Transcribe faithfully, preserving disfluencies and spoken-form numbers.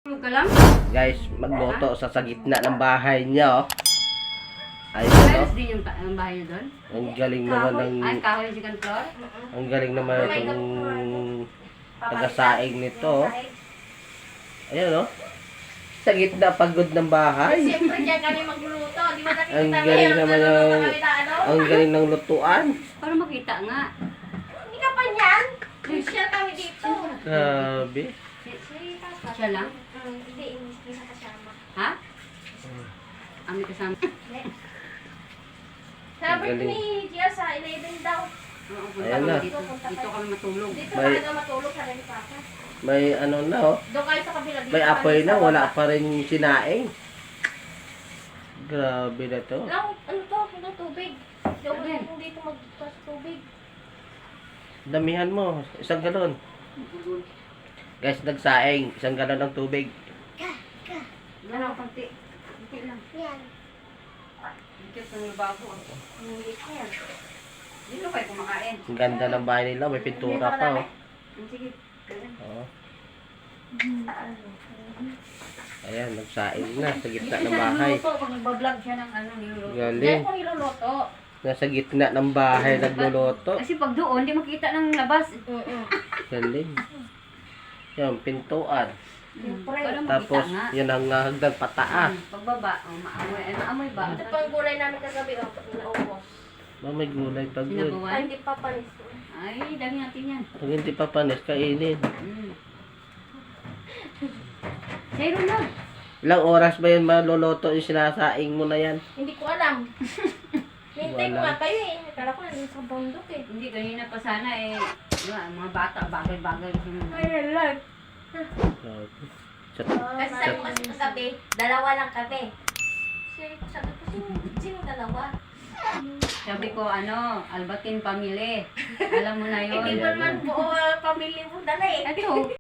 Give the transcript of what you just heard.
Tulog ka lang? Guys, magluto sa sa gitna ng bahay niya, oh. Ayun, Ayos oh. din yung, ta- yung bahay niyo doon? Ang galing naman ng... Ay, kahoy yung second floor? Ang galing naman itong tagasaing nito, oh. Ayun, oh. Sa gitna pagod ng bahay. Siyempre dyan kami magluluto. Di ba nakikita Ang mo galing yan? naman Nagluluto ng... kami na ano? Ang galing ng lutuan. Para makita nga. Hindi ka pa niyan. Share kami dito. Grabe. Siya lang? Mm, Hindi, hindi sa kasama. Ha? Ami kasama. Sabi Ang galing. ni Gia sa eleven daw. Oo, punta Ayan kami na. dito. Dito kami matulog. Dito May- talaga matulog sa rin papa. May ano na, oh. Doon kayo sa kabila. Dito May kami apoy sa na, wala baba. pa rin sinaing. Grabe na to. Lang, ano to? Ano tubig? Doon Ano yan? kung dito magpas tubig. Damihan mo, isang galon. Guys, nagsaing, isang galon ng tubig. Ano, konti. Konti lang. Yan. Dito sa lababo. Hindi ko yan. Dito kayo kumakain. Ang ganda ng bahay nila, may pintura pa, oh. Sige. ganun. Oo. Ayan, nagsaing na sa gitna ng bahay. Niluluto, pag nagbablog siya ng ano, niluluto. Diyan Galing. ko niluluto. Nasa gitna ng bahay, nagluluto. Kasi pag doon, di makita ng labas. Mm-mm. Galing. Yan, pintuan. Siyempre. Para makita Tapos, nga. yan ang uh, hagdan pataas. Hmm, pagbaba, oh, maamoy. Ay, maamoy ba? Ito pang gulay namin kagabi. Oh, naubos. Ma, may gulay pa good. Ay, Sinabawan? hindi pa panis. Ay, dami natin yan. Pag hindi pa panis, kainin. Mm. Zero na. Ilang oras ba yun maluluto yung sinasaing mo na yan? Hindi ko alam. Hintay ko Wala. nga kayo eh. Akala ko nandun sa bundok eh. Hindi, kanina pa sana eh. Diba, mga bata, bagay-bagay. Ay, Lord. Grabe. Sa, Kasi sabi ko kasi kagabi, dalawa lang kami. Sabi ko, sabi ko, sino, sino dalawa? Sabi ko, ano, Albatin Family. Alam mo na yun. Hindi mo naman buo uh, pamilya mo dala eh. Ito,